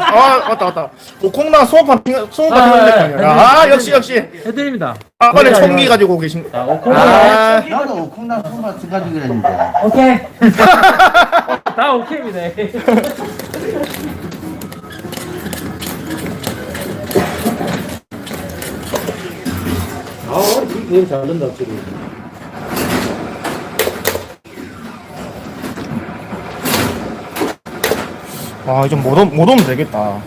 맞다. 오콩나 수업한 생각했거든요. 역시. 해드립니다. 빨리 총기 가지고 계신. 오콩나. 나도 오콩나 손만 가지고 그랬는데. 오케이. 다 오케이입니다. 게임 잘 된다, 지금. 이제 못 오면 되겠다.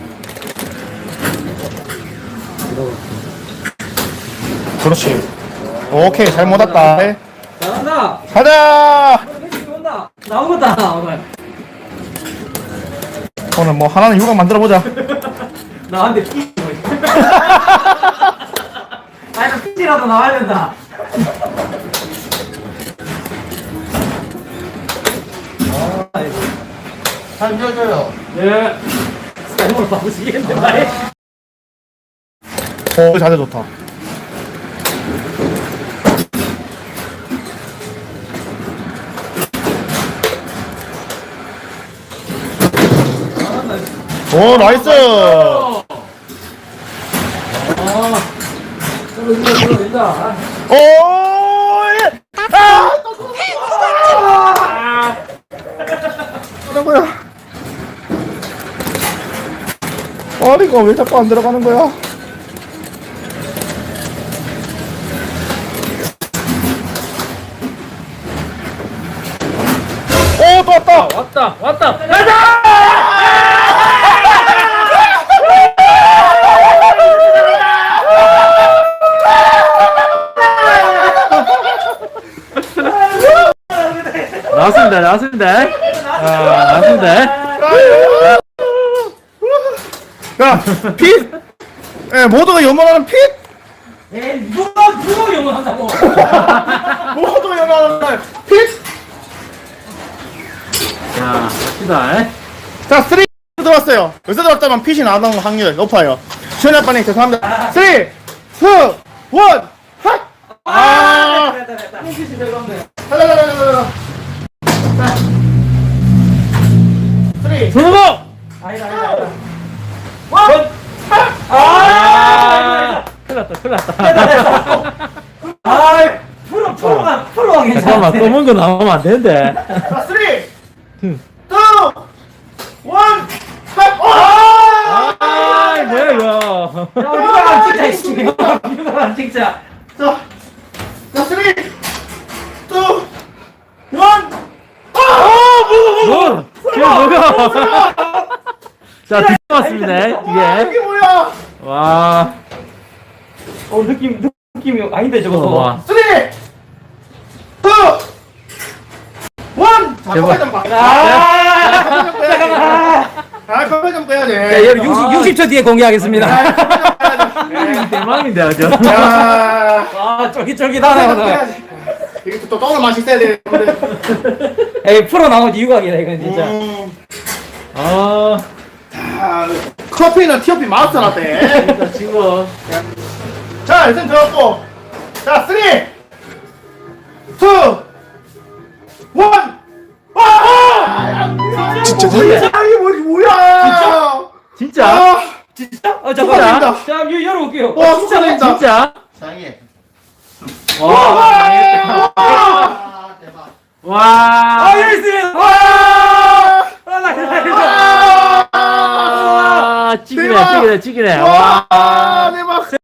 그렇지. 오케이, 잘 못 왔다. 잘한다. 가자! 온다. 나오겠다, 오늘. 오늘 뭐 하나는 육아 만들어보자. 나한테 피. 아니, 피지라도 나와야 된다. 잘 줘줘요. 예. 스카이몰 바꾸시겠는데, 말이. 자세 좋다. 오, 나이스! 된다. 오, 예! 뭐야? 머리가 왜 자꾸 안 들어가는 거야? 오, 또 왔다! 왔다. 가자! 나왔습니다. 나왔습니다. 야, 핏! 예, 모두가 염원하는 핏! 에이, 누가 영원한다고? 모두가 염원하는 핏! 자, 갑시다. 자, 3 들어왔어요. 여기서 들어왔다면 핏이 나오는 확률 높아요. 시원해 아빠님 죄송합니다. 3, 2, 1, 핫! 됐다. 햇빛이 들어오네. 가자. 3, 손오고! 아니다. 원! 큰일 났다. 프로가 괜찮아. 잠깐만, 검은 거 나오면 안 되는데. 자, 3, 2, 1, 핫! 뭐야, 이거. 야, 찍자, 이씨. 이거만 찍자. 자, 3, 2, 1, 뭐? 뭐야? 자, 들어왔습니다, 이게. 이게 뭐야? 와. 느낌이 아닌데, 저거. 와. 3, 2, 1, 제발. 좀 봐. 잠깐만. 커피 좀 빼야 돼. 자, 여러분 60초 뒤에 공개하겠습니다. 대망인데, 아주. 야, 와, 쫄깃쫄깃하네, 오늘. 이게 또 똥을 맛이 있어야 돼. 에이, 프로 나온 이유가 아니라, 이건 진짜. 커피는 티어피 마스터라대. 지금. 자, 일단 들었고. 자, 3, 2, 1. 진짜 이게 뭐야? 진짜? 진짜? 잠깐만. 축하드립니다. 자, 열어볼게요. 와, 축하드립니다. 진짜? 사랑해. 와. 대박. 와. 여기 있으면. 와. 찌기네. 대박. 와. 대박.